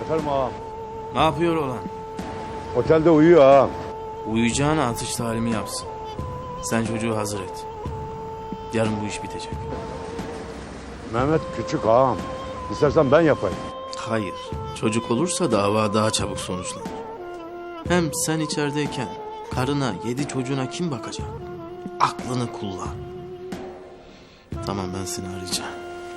Efendim ağam. Ne yapıyor olan? Otelde uyuyor ağam. Uyuyacağına atış talimi yapsın. Sen çocuğu hazır et. Yarın bu iş bitecek. Mehmet küçük ağam. İstersen ben yapayım. Hayır. Çocuk olursa dava daha çabuk sonuçlanır. Hem sen içerideyken karına, 7 çocuğuna kim bakacak? Aklını kullan. Tamam, ben seni arayacağım.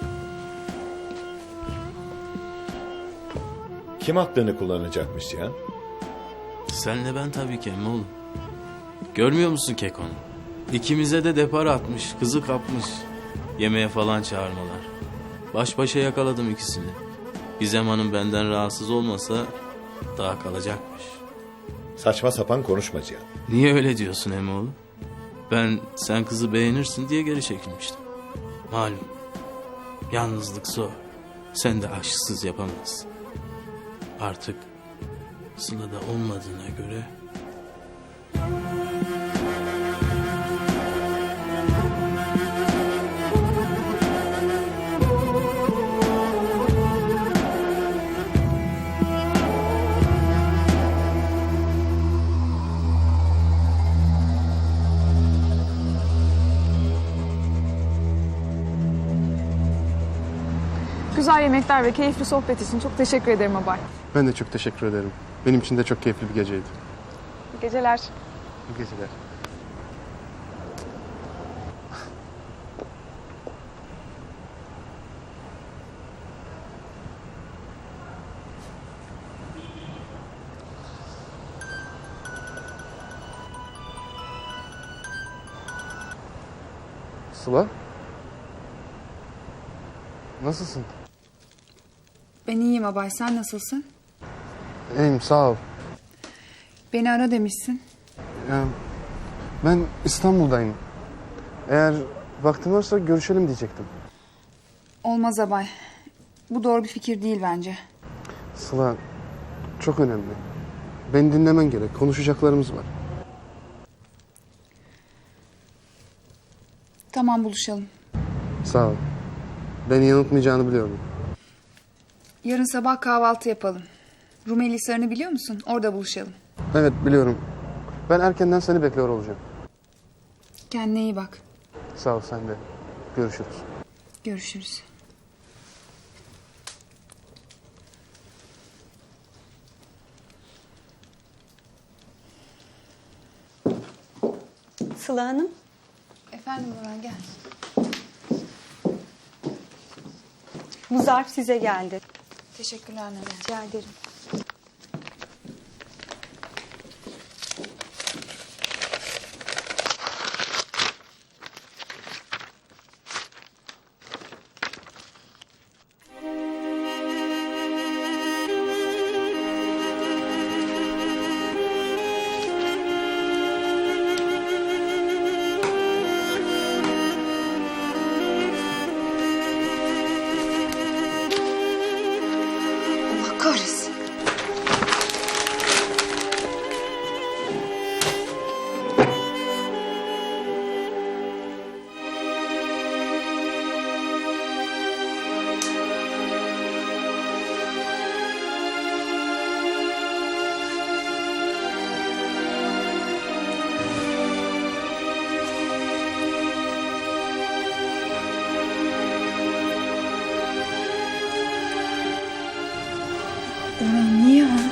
Kim aklını kullanacakmış ya? Senle ben tabii ki emmoğlum. Görmüyor musun Kekon'u? İkimize de depar atmış, kızı kapmış. Yemeğe falan çağırmalar. Baş başa yakaladım ikisini. Gizem Hanım benden rahatsız olmasa daha kalacakmış. Saçma sapan konuşma Cihan. Niye öyle diyorsun emmoğlu? Ben sen kızı beğenirsin diye geri çekilmiştim. Malum. Yalnızlık zor. Sen de aşksız yapamazsın. Artık Sıla'da olmadığına göre... Güzel yemekler ve keyifli sohbet için çok teşekkür ederim Abay. Ben de çok teşekkür ederim. Benim için de çok keyifli bir geceydi. İyi geceler. İyi geceler. Sıla? Nasılsın? Ben iyiyim Abay, sen nasılsın? İyiyim, sağ ol. Beni ara demişsin. Ben İstanbul'dayım. Eğer vaktin varsa görüşelim diyecektim. Olmaz Abay. Bu doğru bir fikir değil bence. Sıla, çok önemli. Beni dinlemen gerek. Konuşacaklarımız var. Tamam, buluşalım. Sağ ol. Beni yanıltmayacağını biliyorum. Yarın sabah kahvaltı yapalım. Rumeli Hisarı'nı biliyor musun? Orada buluşalım. Evet, biliyorum. Ben erkenden seni bekliyor olacağım. Kendine iyi bak. Sağ ol, sen de. Görüşürüz. Görüşürüz. Sıla Hanım. Efendim Nurhan, gel. Bu zarf size geldi. Teşekkürler Nurhan. Rica ederim. Allah kahretsin. Orhan niye